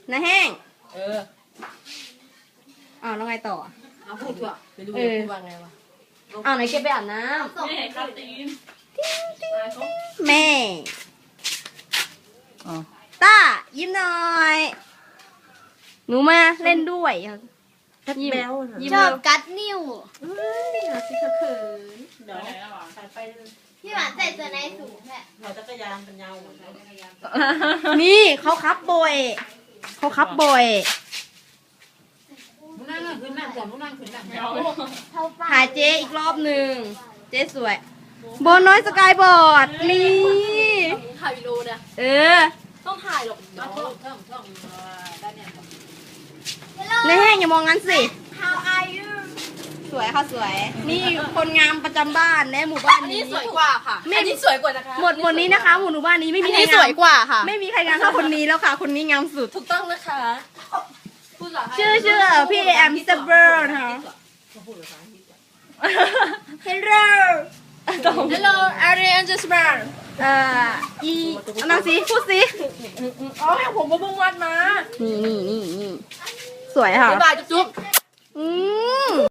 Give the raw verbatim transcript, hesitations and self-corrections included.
น้าแห้งเอออ้าวแล้วไงต่อเอาพูดดีกว่าไปดูเออพูดว่าไงวะอ้าวไหนแกไปอาบน้ไม่เห็นครับตีนำแม่ต้ายิ้มหน่อยหนูมาเล่นด้วยยิ้มยิ้มชอบเลยกัดนิ้วเฮ้ยหาสิเขินเดี๋ยวไหนแล้วหรอไปไปเลยพี่หวานใส่เสื้อในสูงแค่เราจักรยานเป็นยาวเหมือนกันนี่เขาคับบ่อยเขาคับบ่อยมึงนั่งขึ้นนั่งก่อนมึงนั่งขึ้นนั่งเดี๋ยวเท่าป้าถ่ายเจ๊อีกรอบหนึ่งเจ๊สวยโบน้อยสกายบอร์ดนี่ถ่ายวิดีโอเนี่ยเออต้องถ่ายหรอกต้องท่องท่องท่องด้านเนี่ยในแห้งอย่ามองงั้นสิ How are you สวยค่ะสวย นี่คนงามประจำบ้านและหมู่บ้านอันนี้นี้สวยกว่าค่ะอันนี้สวยกว่านะคะหมดหมดนี้นะคะ หมู่บ้านนี้ไม่มีอันใครนี้สงามวยกว่าค่ะไม่มีใครงามเท่าคนนี้แล้วค่ะ คนนี้งามสุดถูกต้องนะคะพูดเหรอคะชื่อชื่อพี่แอมสเบอร์นะคะ Hello Hello Ariane Jasper เอ่ออีเอานางสิพูดสิอ๋อผมก็เพิ่งวัดมานี่นี่นี่นี่สวยค่ะบ๊ายบายจุ๊บอืม